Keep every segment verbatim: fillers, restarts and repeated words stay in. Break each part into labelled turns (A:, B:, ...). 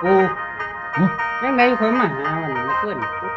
A: ปูยังไงคนมาหาวันนี้เพื่อน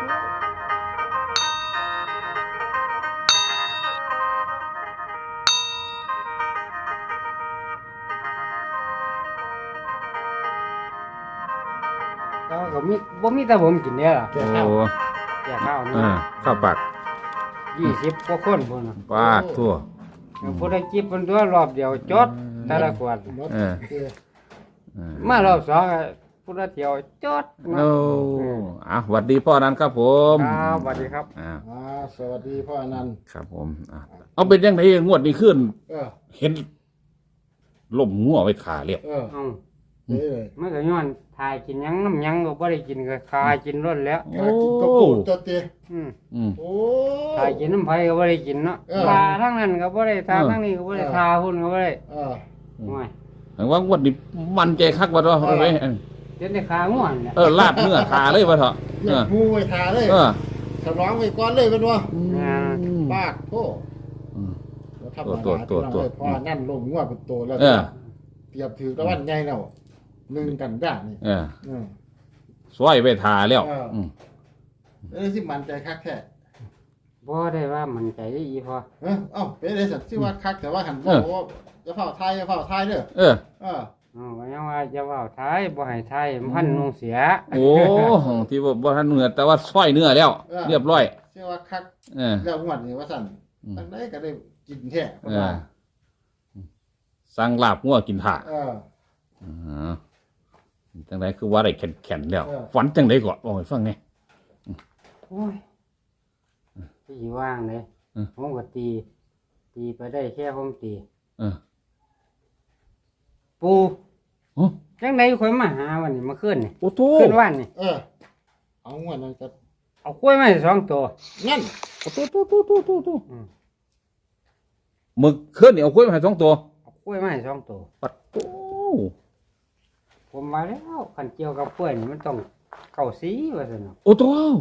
A: ก็ก็มีบ่มีแต่ผมกินเนี่ยหรอ
B: โอ้
A: แก่ข้าว
B: เอ
A: นี่
B: อข้าวปัก
A: ยี่สิบกว่าคนพุ่นน่ะ
B: ปาดทั่ว
A: ผู้ได้จิบเพิ่นตัวรอบเดียวจดแต่ละขวด
B: เออเออ
A: มารอบสองก็ผู้ได้เที่ยวจด
B: โอ้อ่ะสวัสดีพ่อนั้นครับผม
A: ครับสวัสดีครับ
B: อ่า
C: อ่าสวัสดีพ่ออนันต์
B: ครับผมอ่ะเอาเป็นยังไงงวดนี้ขึ้น
C: เออ
B: เห็นล่มงัวไว้ขาเรียบ
C: เออ
A: เอ้า
C: นี่เลย
A: มันก็ย้อนทายกินหยังน้ำหยังก็บ่ได้กินก็คายกินล้นแล้ว
C: กากินกระปุกตัวเตี้ย
A: อืม
B: อืม
C: โอ้
A: ทายกินน้ำไผก็บ่ได้กินเนาะ
C: เออ
A: ทาทั้งนั้นก็บ่ได้ทา
B: เออ
A: ทั้งนี้ก็บ่ได้
C: เออ
A: ทาหุ่นก็บ่ได้
C: เออ
A: โอ้ย
B: แต่ว่างวดนี้มันใจคักว่าเถอะเอาไว้
A: เดี๋ยวได้ขาง่วนเนี่ย
B: เออลาดเนื้อขาเลยว่าเถอะ
C: เรี
B: เอย อ
C: กมูไว้ทาเลย
B: เออ
C: สร้องไว้ก้อนเลยเป็นว่า
A: อ่า
C: ปากโทษ
B: อืม
C: ทำมา
B: ตัวตัวตัว
C: พ่อนั่นลงงวดเป็นตัวแล้ว
B: เออ
C: เตรียมถือตะวันใหญ่แล้วหนึ่งกันด้านนี่
B: เออ
C: เออ
B: ซอยไปทาแล้ว
C: เอออื
B: ม
C: เอ้ยสิมันใจคักแค่
A: บ่ได้ว่ามันใจได้อีพอ
C: เออเอ้าเป็นไรสัตว์ที่ว่าคักแต่ว่าหันบอกว่าจะเฝ้าทายจะเฝ้าทายเด้อ
B: เออ
C: เออ
A: อ๋อก็ยังว่าจะเว้าทายบ่ให้ทายมันพันนุ่งเสีย
B: โอ้ที่ว่าบ่ทันเนื้อแต่ว่าซอยเนื้อแล้ว เรียบร้อย
C: ที่ว่าคัก
B: เออ
C: แล้วงวดนี้ว่าสั่น
B: อืม
C: ตั้งได้ก็ได้กินแท้
B: เออสั่งลาบงัวกินถ่า
C: เออ
B: อ๋อจังไดคือว่าได้แข็งๆแล้ว
C: เออ
B: ฝันจังไดก่อนบอกให้ฟังไง
A: โอ้ยที่ว่างเลย
B: เออ
A: ผมก็ตี ตีไปได้แค่ผมตี
B: เออ
A: ปู
B: โอ้
A: จังไดข่อยมาหาวันนี้มาขึ้นนี่
B: โอ้โต
A: ขึ้นวันนี่
C: เออ เอางวดนั้นก็
A: เอากล้วยมาให้สองตัว
C: งั้น
B: โอ้โตโตโตโตโตโต
A: อืม
B: มึกขึ้นนี่เอากล้วยมาให้สองตัว
A: เอากล้วยมาให้สองตัว
B: ปัดโต
A: ผมมาแล้วขันเกี่ยวกับกล้วยนี่มันต้องเก้าสีว่าซั่นเนาะ
B: โอ้โต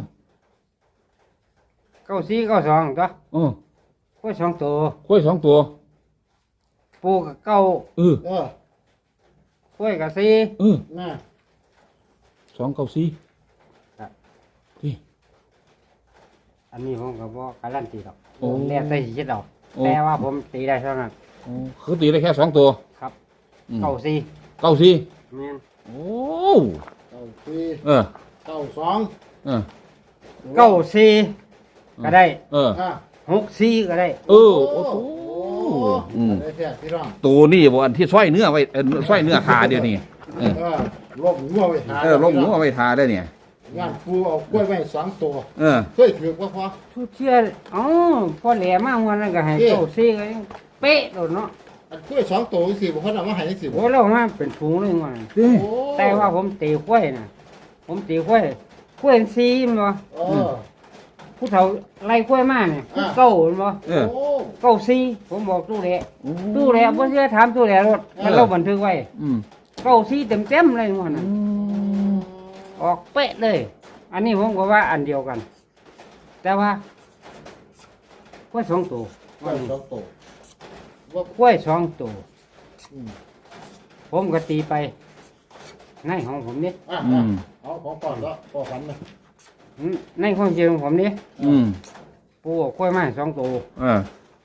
A: เก้าสีเก้าสองตัว
B: เออก
A: ล้วยสองตัว
B: กล้วยสองตัว
A: ปูกับเก้า
B: เออ
C: เออก
A: ล้วยกับสี
B: เออ
C: น่ะ
B: สองเก้าสี่
A: ครับ
B: ที่
A: อันนี้ผมก็บ่การันตีหรอก
B: โอ้
A: แล้วแต่สิคิดเอา
B: โอ้
A: แต่ว่าผมตีได้เท่านั้น
B: โอ้คือตีได้แค่สองตัว
A: ครับ
B: อืม
A: เก้าสี
B: เก้าสี่
A: แม่น
B: โอ้
C: เก้าสี่
B: เออ
C: เก้าสอง
B: เออ
A: เก้าสีก็ได้
B: เออ
C: อ่ะ
A: หกสีก็ได้
B: เออโอ้โห อืม
C: ได้แท้พี่น้อง
B: ตัวนี่บ่อันที่ซอยเนื้อไว้เออซอยเนื้อทาเดี๋ยวนี้เออ
C: เออลงงัวไว้ทา
B: เออลงหมูเอาไว้ทาได้เนี่ย
C: งานปูเอากล้วยไว้สองตัว
B: เออ
C: เคยถือว่าพอ
A: ทุกเชื่ออ๋อพอแหลมากวันนั้นก็ให้
C: เอ๊ะ
A: เก้าสีก็ยังเป๊ะโดดเนาะ
C: อันกล้วยสองตัวสิบ่คนเอามาให้สิ
A: โอ้เรามาเป็นฝูงเลยวันนั้น
B: เด้
C: โอ้
A: แต่ว่าผมตีกล้วยน่ะ ผมตีกล้วยกล้วยสีมันบ่
C: เออ
A: ผู้เฒ่าไล่กล้วยมาเนี่ย
C: อ่า
A: เก้ามันบ่
B: เออ
C: โอ้
A: เก้าสีผมบอกตู้แหละ
B: โอ้
A: ตู้แหละบ่เชื่อถามตู้แหละรถมันเราบันทึกไว้
B: อืม
A: เก้าสีเต็มๆเลยวันนั้นออกเป๊ะเลย อันนี้ผมก็ว่าอันเดียวกัน แต่ว่ากล้วยสองตัว
C: กล้วยสองตัวว่าก
A: ล้วยสองตัว
C: อืม
A: ผมก็ตีไปในของผมนี่
C: อ่ะ
B: อื
C: อ่ะ
B: ม
C: เอาของก่อนแล้วพอฝันนะ
A: ในความจริงของผมนี่
B: อืม
A: ปูเอากล้วยมาให้สองตัว
B: เออก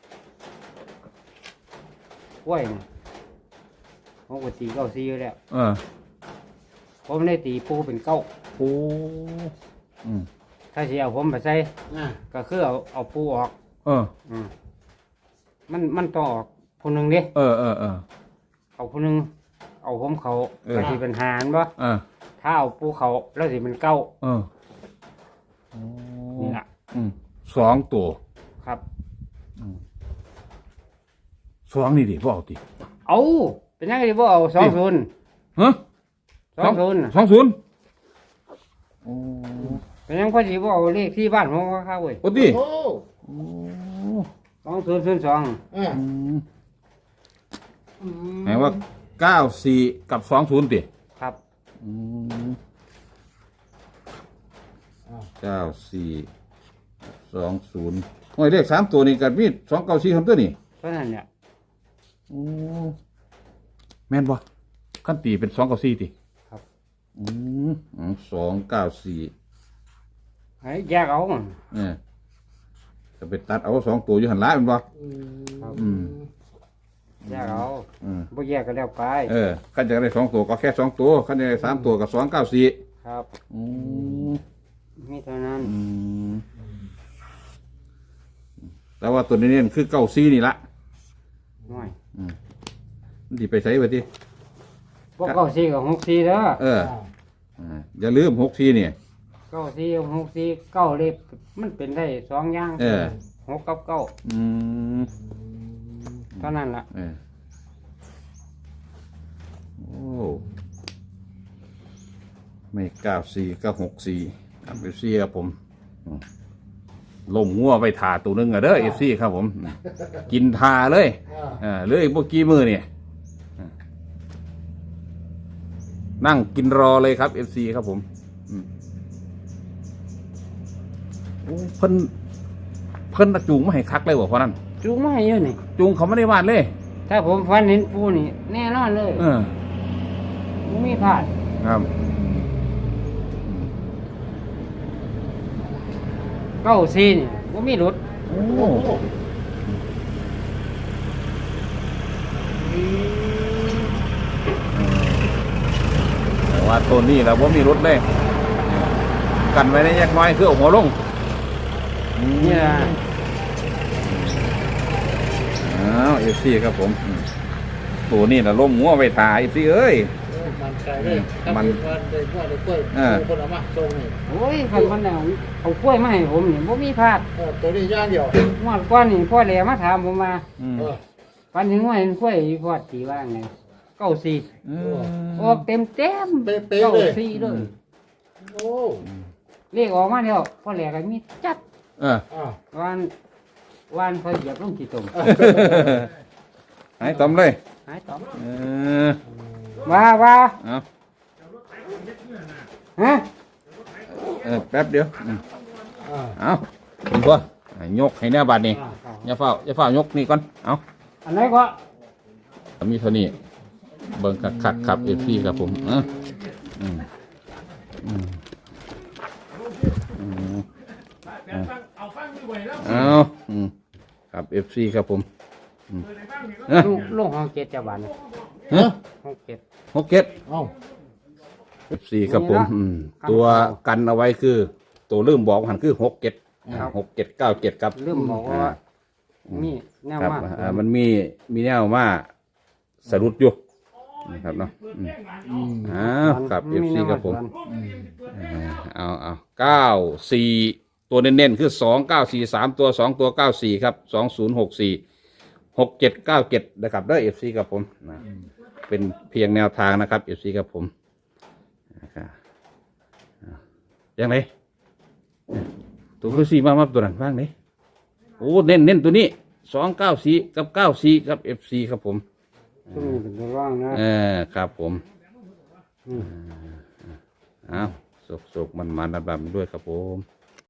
A: ล้วยนี่ผมก็ตีเก้าซีอยู่แล้ว
B: เออ
A: ผมได้ตีปูเป็นเก้า
B: โอ้อืม
A: ถ้าสิเอาผมไปใส่
C: อ่ะ
A: ก็คือเอาเอาปูออก
B: เออ
A: อืมมันมันต้องออกคนหนึ่งเดิ
B: เออเออเออ
A: เอาคนหนึ่งเอาผมเขา
B: เออ
A: ก็สิเป็นหารบ่
B: เออ
A: ถ้าเอาปูเขาแล้วสิเป็นเก้า
B: เออโอ้
A: นี่ล่ะ
B: อืมสองตัว
A: ครับ
B: สองนี่ดิบ่เอาติ
A: เอาเป็นยังไงบ่เอาสองศูนย์
B: ฮะ
A: สองศูนย์
B: สองศูนย์โอ้
A: เป็นยังไงสิบ่เอาเลขที่บ้านผมก็เข้าเว้ย
B: โอ้ติ
C: โอ้
B: โอ้
A: สองศูนย์ศูนย์สอง
C: อ่ะ
B: อืม หมายว่าเก้าสี่กับสองศูนย์ติ
A: ครับ
B: อืมเก้าสี่สองศูนย์โอ้ยเลขสามตัวนี่กันมีสองเก้าสี่คำตัวนี่
A: เพราะนั้นเนี่ย
B: โอ้แม่นบ่ขั้นตีเป็นสองเก้าสี่ติ
A: ครับ
B: อืมสองเก้าสี่
A: ให้แยกเอา
B: เออจะไปตัดเอาสองตัวอยู่หันหล้ายมันบ่
C: อืม
B: อืม
A: แยกเอา
B: อืม
A: บ่แยกก็แล้วไป
B: เออขั้นจะได้สองตัวก็แค่สองตัวขั้นจะได้สามตัวก็สองเก้าสี่
A: ครับ
B: อืม
A: มีเท่านั้น
B: อืมแต่ว่าตัวนี้เนี่ยคือเก้าสี่นี่ละ
A: น้อย
B: มันที่ไปใช้ไปที่
A: พวกเก้าสี่กับหกสี่เด้อ
B: เอออ่าอย่าลืมหกสี่เนี่ย
A: เก้าสี่กับหกสี่เก้าเลขมันเป็นได้สองอย่าง
B: เออ
A: หกกับเก้า
B: อืม
A: เท่านั้นล่ะ
B: เออโอ้ไม่เก้าสี่ก็หกสี่ครับเอฟซีครับผมอืมลงงัวไปถาตัวหนึงอะเด้อเอฟซีครับผมกินทาเลย
C: อ่า
B: เอ่าเหลืออีกพวกกี่มือเนี่ยอ่านั่งกินรอเลยครับเอฟซีครับผมอืมโอ้เพิ่นเพิ่นน่ะจูงมาให้คักเลยบ่เพราะนั้น
A: จูงมาให้เยอะนี่
B: จูงเขาไม่ได้วาดเลย
A: ถ้าผมฟันเห็นปูนี่ แน่นอนเลย
B: เออ
A: ไม่มีพลาด
B: ครับ
A: เก้าสี่นี่ไม่มีหลุด
B: โอ้
C: โอ้โห
B: แต่ว่าตัวนี้เราบ่มีรถเลยกันไว้ในแยกน้อยคือเอาหัวลง
A: นี่ล่ะ
B: อ้าวเอฟซีครับผมอืมตัวนี้นะล้มงัวไปถ่ายเอฟซีเอ้ย
C: มันใจเลย
B: มัน
C: มันได้กล้วยได้กล้วย
B: เออ
C: คนเอามาส่งนี่
A: โอ้ยคันมันเอาเอากล้วยมาให้ผมนี่ไม่มีพลาด
C: เออตัวนี้ย่างเดียว
A: งวดก้อนนี่พ่อแหลมาถามผมมา
B: อืม
C: เออ
A: ฟันถึงว่าเห็นกล้วยพอดตีว่าไงเก้าสี่
B: อืม
A: ออกเต็มเต็ม
C: เป๊ะๆเลย
A: เก้าสี่เลย
C: โอ้
A: เรียกออกมาแล้วพ่อแหลก็มีจัด
B: เออ
C: อ่า
A: วันวันเขาเหยียบลงกี่ตุ่ม
B: หายตอมเลย
A: หายต่อ
B: เออ
A: ว่าว่า
B: เอา
A: ฮะ
B: เออแป๊บเดียวอืม
C: อ่า
B: เอาคุณพ่อยกให้แน่บัดนี่
A: อ่า
B: อย่าเฝ้าอย่าเฝ้ายกนี่ก่อนเอา
A: อันไหนก็
B: มีเท่านี้เบิ่งคักคักๆครับเอฟซีครับผมเอออืมอืมอืมเอาอืมครับเอฟซีครับผมเออ
A: ลูกลูกห้องเจ็ดจะบาน
B: ฮะ
A: ห้องเจ็ด
B: หกเจ็ด
C: เอ้า
B: เอฟซีครับผมอืมตัวกันเอาไว้คือ ตัวลืมบอกหันคือหกเจ็ดหกเจ็ดเก้าเจ็ดครับ
A: ลืมบอกว่ามีแนว
B: ครับ
A: มาก
B: อ่ามันมีมีแนวมาสรุปอยู่นะครับเนาะอืม
C: อืม
B: อ้าวครับเอฟซีครับผม
C: อืม
B: เอาเอาเก้าสี่ตัวเน้นๆคือสองเก้าสี่สามตัวสองตัวเก้าสี่ครับสองศูนย์หกสี่หกเจ็ดเก้าเจ็ดนะครับได้เอฟซีครับผมนะเป็นเพียงแนวทางนะครับเอฟซีครับผมนะครับยังไงตัวคือสี่มามาตัวนั้นบ้างไหนโอ้เน้นเน้นตัวนี้สองเก้าสี่กับเก้าสี่ครับเอฟซีครับผม
A: ช่วงนี้เป็นตัวร่างนะ
B: เออครับผม
A: อืม
B: อ้าวสุกๆมันๆระบำด้วยครับผม